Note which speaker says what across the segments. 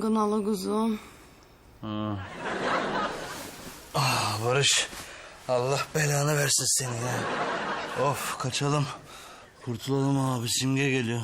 Speaker 1: kınalı kuzum.
Speaker 2: Barış, Allah belanı versin seni ya. Of, kaçalım. Kurtulalım abi, Simge geliyor.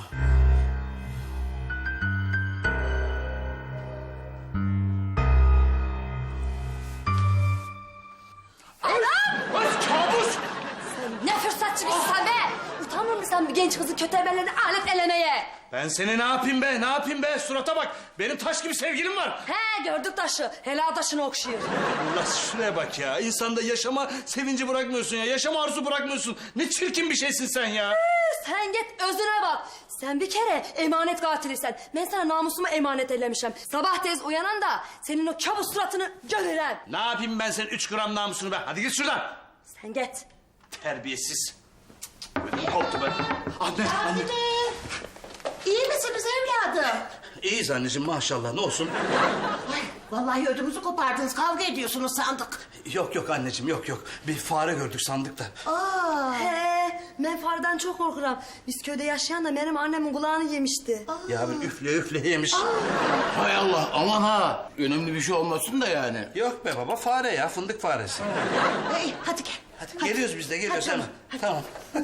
Speaker 3: Kabus!
Speaker 4: Ne fırsatçı kızsın sen be! Utanmıyor musun sen bir genç kızı kötü emellerini alet elemeye?
Speaker 2: Ben seni ne yapayım be, ne yapayım be? Surata bak, benim taş gibi sevgilim var.
Speaker 4: He gördük taşı, helal taşını okşuyor.
Speaker 2: Allah şuraya bak ya, insanda yaşama sevinci bırakmıyorsun ya, yaşama arzu bırakmıyorsun. Ne çirkin bir şeysin sen ya.
Speaker 4: Sen git özüne bak. Sen bir kere emanet katilisin. Ben sana namusumu emanet eylemişim. Sabah tez uyanan da senin o kabus suratını görürüm.
Speaker 2: Ne yapayım ben senin 3 gram namusunu be? Hadi git şuradan.
Speaker 4: Sen git.
Speaker 2: Terbiyesiz. Ödüm koptu be. Anne.
Speaker 5: İyi misiniz evladım?
Speaker 2: İyiyiz anneciğim maşallah, ne olsun.
Speaker 5: Vallahi ödümüzü kopardınız, kavga ediyorsunuz sandık.
Speaker 2: Yok anneciğim, yok. Bir fare gördük sandık da.
Speaker 4: He, ben fardan çok korkuram. Biz köyde yaşayan da benim annemin kulağını yemişti.
Speaker 2: Ya bir üfle yemiş.
Speaker 3: Hay Allah, aman ha. Önemli bir şey olmasın da yani.
Speaker 2: Yok be baba, fare ya, fındık faresi.
Speaker 5: Hey, hadi gel.
Speaker 2: Hadi geliyoruz biz de, geliyoruz
Speaker 5: Hadi,
Speaker 2: hemen. Tamam.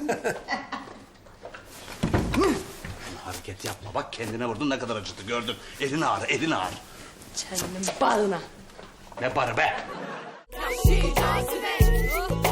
Speaker 2: Hareket yapma, bak kendine vurdun, ne kadar acıdı gördün. Elin ağrı.
Speaker 4: Senin bağına.
Speaker 2: Ne barı be?
Speaker 6: Vahşi cazibe